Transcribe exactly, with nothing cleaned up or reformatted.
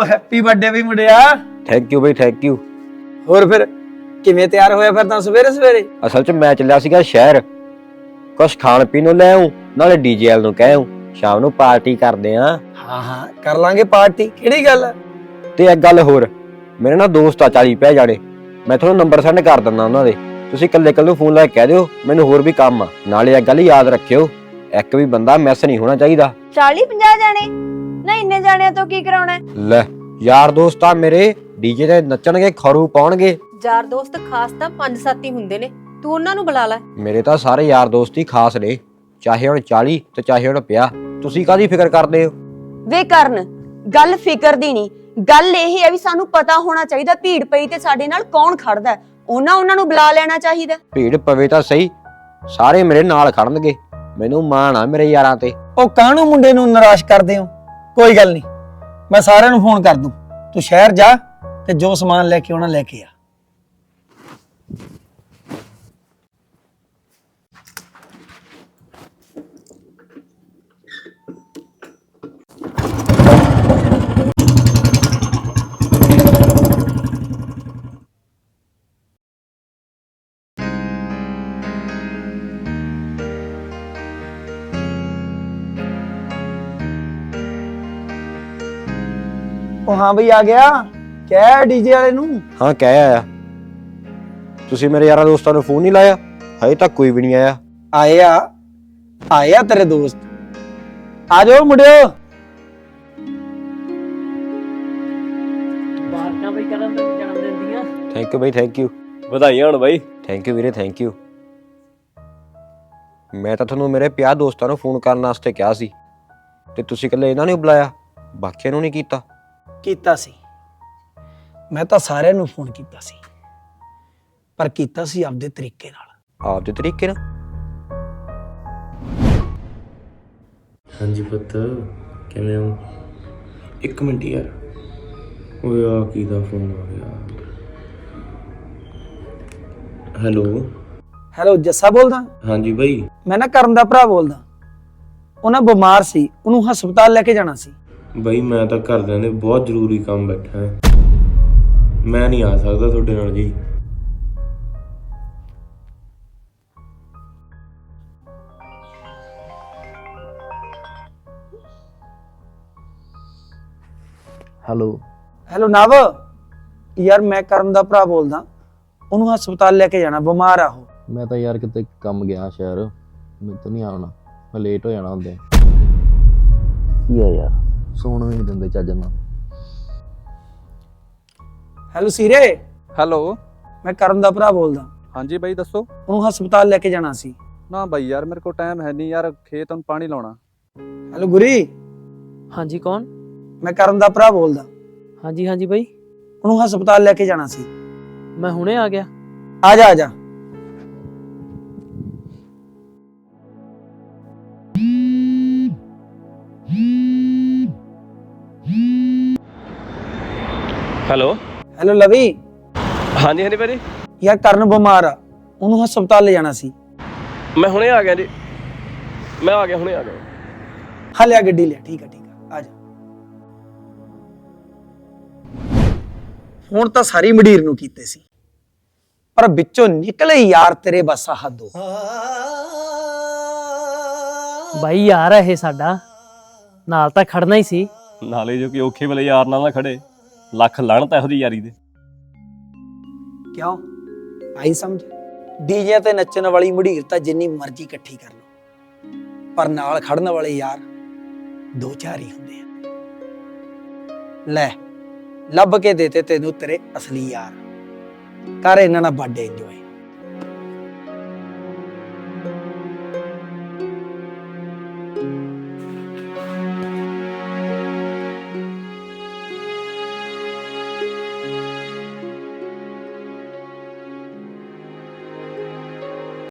ਉਹ happy birthday ਵੀ ਮੁੰਡਿਆ। ਥੈਂਕ ਯੂ ਬਈ ਥੈਂਕ ਯੂ। ਹੋਰ ਫਿਰ ਕਿਵੇਂ ਤਿਆਰ ਹੋਇਆ ਫਿਰ ਤਾਂ ਸਵੇਰੇ ਸਵੇਰੇ? ਅਸਲ 'ਚ ਮੈਂ ਚੱਲਿਆ ਸੀਗਾ ਸ਼ਹਿਰ, ਕੁਛ ਖਾਣ ਪੀਣ ਨੂੰ ਲੈ ਆਉਂ, ਨਾਲੇ ਡੀਜੇਐਲ ਨੂੰ ਕਹਿ ਆਉਂ ਸ਼ਾਮ ਨੂੰ ਪਾਰਟੀ ਕਰਦੇ ਆ। ਹਾਂ ਹਾਂ ਕਰ ਲਾਂਗੇ ਪਾਰਟੀ, ਕਿਹੜੀ ਗੱਲ ਹੈ? ਤੇ ਇੱਕ ਗੱਲ ਹੋਰ, ਮੇਰੇ ਨਾਲ ਦੋਸਤ ਆ ਚਾਲੀ ਪੈ ਜਾਣੇ, ਮੈਂ ਤੁਹਾਨੂੰ ਨੰਬਰ ਸੈਂਡ ਕਰ ਦਿੰਦਾ ਉਹਨਾਂ ਦੇ, ਤੁਸੀਂ ਇਕੱਲੇ ਇਕੱਲੇ ਫੋਨ ਲਾ ਕੇ ਕਹਿ ਦਿਓ ਮੈਨੂੰ ਹੋਰ ਵੀ ਕੰਮ ਆ। ਨਾਲੇ ਇੱਕ ਗੱਲ ਯਾਦ ਰੱਖਿਓ, ਇੱਕ ਵੀ ਬੰਦਾ ਮਿਸ ਨਹੀਂ ਹੋਣਾ ਚਾਹੀਦਾ। ਚਾਲੀ ਪੰਜਾਹ ਜਾਣੇ ਨਾ, ਇੰਨੇ ਜਾਣਿਆਂ ਤੋਂ ਕੀ ਕਰਾਉਣਾ? ਲੈ ਯਾਰ ਦੋਸਤ ਆ ਮੇਰੇ, ਡੀਜੇ ਤੇ ਨੱਚਣਗੇ, ਖਰੂ ਪਾਉਣਗੇ। ਯਾਰ ਦੋਸਤ ਖਾਸ ਤਾਂ ਪੰਜ ਸੱਤ ਹੀ ਹੁੰਦੇ ਨੇ, ਤੂੰ ਉਹਨਾਂ ਨੂੰ ਬੁਲਾ ਲੈ। ਮੇਰੇ ਤਾਂ ਸਾਰੇ ਯਾਰ ਦੋਸਤ ਹੀ ਖਾਸ ਨੇ, ਚਾਹੇ ਹੁਣ ਚਾਲੀ ਤੇ ਚਾਹੇ ਹੁਣ ਪੰਜਾਹ। ਤੁਸੀਂ ਕਾਹਦੀ ਫਿਕਰ ਕਰਦੇ ਹੋ? ਵੇ ਕਰਨ, ਗੱਲ ਫਿਕਰ ਦੀ ਨਹੀਂ, ਗੱਲ ਇਹ ਹੈ ਵੀ ਸਾਨੂੰ ਪਤਾ ਹੋਣਾ ਚਾਹੀਦਾ ਭੀੜ ਪਈ ਤੇ ਸਾਡੇ ਨਾਲ ਕੌਣ ਖੜਦਾ, ਉਹਨਾਂ ਉਹਨਾਂ ਨੂੰ ਬੁਲਾ ਲੈਣਾ ਚਾਹੀਦਾ। ਭੀੜ ਪਵੇ ਤਾਂ ਸਹੀ, ਸਾਰੇ ਮੇਰੇ ਨਾਲ ਖੜਨਗੇ, ਮੈਨੂੰ ਮਾਣ ਆ ਮੇਰੇ ਯਾਰਾਂ ਤੇ। ਉਹ ਕਾਹਨੂੰ ਮੁੰਡੇ ਨੂੰ ਨਿਰਾਸ਼ ਕਰਦੇ ਹੋ? ਕੋਈ ਗੱਲ ਨਹੀਂ, ਮੈਂ ਸਾਰਿਆਂ ਨੂੰ ਫੋਨ ਕਰ ਦੂੰ, ਤੂੰ ਸ਼ਹਿਰ ਜਾ ਤੇ ਜੋ ਸਮਾਨ ਲੈ ਕੇ ਆਉਣਾ ਲੈ ਕੇ ਆ। ਉਹ ਹਾਂ ਬਈ ਆ ਗਿਆ, ਕਹਿ ਡੀਜੇ ਵਾਲੇ ਨੂੰ। ਹਾਂ ਕਹਿ ਆਇਆ। ਤੁਸੀਂ ਮੇਰੇ ਯਾਰਾਂ ਦੋਸਤਾਂ ਨੂੰ ਫੋਨ ਨਹੀਂ ਲਾਇਆ? ਹਜੇ ਤੱਕ ਕੋਈ ਵੀ ਨਹੀਂ ਆਇਆ। ਆਏ ਆ ਆਏ ਆ ਤੇਰੇ ਦੋਸਤ, ਆ ਜਾਓ ਮੁੰਡਿਓ। ਬਾਰਕਾਂ ਬਈ ਕਰਨ ਦੇ ਜਨਮ ਦਿਨ ਦੀਆਂ। ਥੈਂਕ ਯੂ ਬਈ ਥੈਂਕ ਯੂ। ਵਧਾਈਆਂ ਹੋਣ ਬਾਈ। ਥੈਂਕ ਯੂ ਵੀਰੇ ਥੈਂਕ ਯੂ। ਮੈਂ ਤਾਂ ਤੁਹਾਨੂੰ ਮੇਰੇ ਪੰਜਾਹ ਦੋਸਤਾਂ ਨੂੰ ਫੋਨ ਕਰਨ ਵਾਸਤੇ ਕਿਹਾ ਸੀ ਤੇ ਤੁਸੀਂ ਇਕੱਲੇ ਇਹਨਾਂ ਨੂੰ ਬੁਲਾਇਆ, ਬਾਕੀਆਂ ਨੂੰ ਨਹੀਂ ਕੀਤਾ। ਕੀਤਾ ਸੀ, ਮੈਂ ਤਾਂ ਸਾਰਿਆਂ ਨੂੰ ਫੋਨ ਕੀਤਾ ਸੀ, ਪਰ ਕੀਤਾ ਸੀ ਆਪਦੇ ਤਰੀਕੇ ਨਾਲ। ਆਪਦੇ ਤਰੀਕੇ ਨਾਲ? ਹਾਂਜੀ ਪੁੱਤ, ਕਿਵੇਂ ਹੋ? ਇੱਕ ਮਿੰਟ ਯਾਰ, ਓਏ ਆ ਕੀ ਦਾ ਫੋਨ ਆ ਗਿਆ? ਹੈਲੋ। ਹੈਲੋ ਜੱਸਾ ਬੋਲਦਾ? ਹਾਂਜੀ ਬਾਈ। ਮੈਂ ਨਾ ਕਰਨ ਦਾ ਭਰਾ ਬੋਲਦਾ, ਉਹ ਨਾ ਬਿਮਾਰ ਸੀ, ਉਹਨੂੰ ਹਸਪਤਾਲ ਲੈ ਕੇ ਜਾਣਾ ਸੀ। ਬਾਈ ਮੈਂ ਤਾਂ ਘਰਦਿਆਂ ਦੇ ਬਹੁਤ ਜ਼ਰੂਰੀ ਕੰਮ ਬੈਠਾ ਹਾਂ, ਮੈਂ ਨਹੀਂ ਆ ਸਕਦਾ ਤੁਹਾਡੇ ਨਾਲ ਜੀ। ਹੈਲੋ ਹੈਲੋ ਨਵ, ਯਾਰ ਮੈਂ ਕਰਨ ਦਾ ਭਰਾ ਬੋਲਦਾ, ਉਹਨੂੰ ਹਸਪਤਾਲ ਲੈ ਕੇ ਜਾਣਾ, ਬਿਮਾਰ ਆ ਉਹ। ਮੈਂ ਤਾਂ ਯਾਰ ਕਿਤੇ ਕੰਮ ਗਿਆ ਸ਼ਹਿਰ, ਮੈਨੂੰ ਤਾਂ ਨਹੀਂ ਆਉਣਾ, ਮੈਂ ਲੇਟ ਹੋ ਜਾਣਾ ਹੁੰਦੇ। ਕੀ ਆ ਯਾਰ, ਸੌਣ ਵੀ ਨਹੀਂ ਦਿੰਦੇ ਚੱਜ ਨਾਲ। ਹੈਲੋ ਸੀਰੇ। ਹੈਲੋ। ਮੈਂ ਕਰਨ ਦਾ ਭਰਾ ਬੋਲਦਾ। ਹਾਂਜੀ ਬਾਈ ਦੱਸੋ। ਉਹਨੂੰ ਹਸਪਤਾਲ ਲੈ ਕੇ ਜਾਣਾ ਸੀ। ਨਾ ਬਾਈ ਯਾਰ ਮੇਰੇ ਕੋਲ ਟਾਈਮ ਹੈ ਨਹੀਂ ਯਾਰ, ਖੇਤ ਨੂੰ ਪਾਣੀ ਲਾਉਣਾ। ਹੈਲੋ ਗੁਰੀ। ਹਾਂਜੀ ਕੌਣ? ਮੈਂ ਕਰਨ ਦਾ ਭਰਾ ਬੋਲਦਾ। ਹਾਂਜੀ ਹਾਂਜੀ ਬਾਈ, ਉਹਨੂੰ ਹਸਪਤਾਲ ਲੈ ਕੇ ਜਾਣਾ ਸੀ। ਮੈਂ ਹੁਣੇ ਆ ਗਿਆ। ਆ ਜਾ ਆ ਜਾ। ਹੈਲੋ। ਹੈਲੋ ਲਵੀ। ਹਾਂਜੀ ਹਾਂਜੀ ਭਾਜੀ। ਯਾਰ ਕਰਨ ਬਿਮਾਰ ਆ, ਉਹਨੂੰ ਹਸਪਤਾਲ ਲੈ ਜਾਣਾ ਸੀ। ਮੈਂ ਹੁਣੇ ਆ ਗਿਆ ਜੀ, ਮੈਂ ਆ ਗਿਆ, ਹੁਣੇ ਆ ਗਿਆ। ਹਾਂ ਲਿਆ ਗੱਡੀ ਲਿਆ। ਠੀਕ ਆ ਠੀਕ ਆ, ਆ ਜਾ। ਹੁਣ ਤਾਂ ਸਾਰੀ ਮੰਡੀਰ ਨੂੰ ਕੀਤੇ ਸੀ, ਪਰ ਵਿੱਚੋਂ ਨਿਕਲੇ ਯਾਰ ਤੇਰੇ ਬਸ ਹੱਦੋਂ। ਬਾਈ ਯਾਰ ਇਹ ਸਾਡਾ ਨਾਲ ਤਾਂ ਖੜਨਾ ਹੀ ਸੀ। ਨਾਲੇ ਜੋ ਕਿ ਔਖੇ ਵੇਲੇ ਯਾਰ ਨਾਲ ਨਾ ਖੜੇ, ਲੱਖ ਲਾਹਣਤ ਇਹੋ ਜਿਹੀ ਯਾਰੀ ਦੇ। ਕਿਉਂ ਆਈ ਸਮਝ? ਡੀਜੇ ਤੇ ਨੱਚਣ ਵਾਲੀ ਮੰਡੀਰ ਤਾਂ ਜਿੰਨੀ ਮਰਜ਼ੀ ਇਕੱਠੀ ਕਰ ਲਓ, ਪਰ ਨਾਲ ਖੜਨ ਵਾਲੇ ਯਾਰ ਦੋ ਚਾਰ ਹੀ ਹੁੰਦੇ ਆ। ਲੈ ਲੱਭ ਕੇ ਦੇਤੇ ਤੈਨੂੰ ਤੇਰੇ ਅਸਲੀ ਯਾਰ, ਕਰ ਇਹਨਾਂ ਨਾਲ ਬਰਥਡੇ ਇੰਜੋਏ।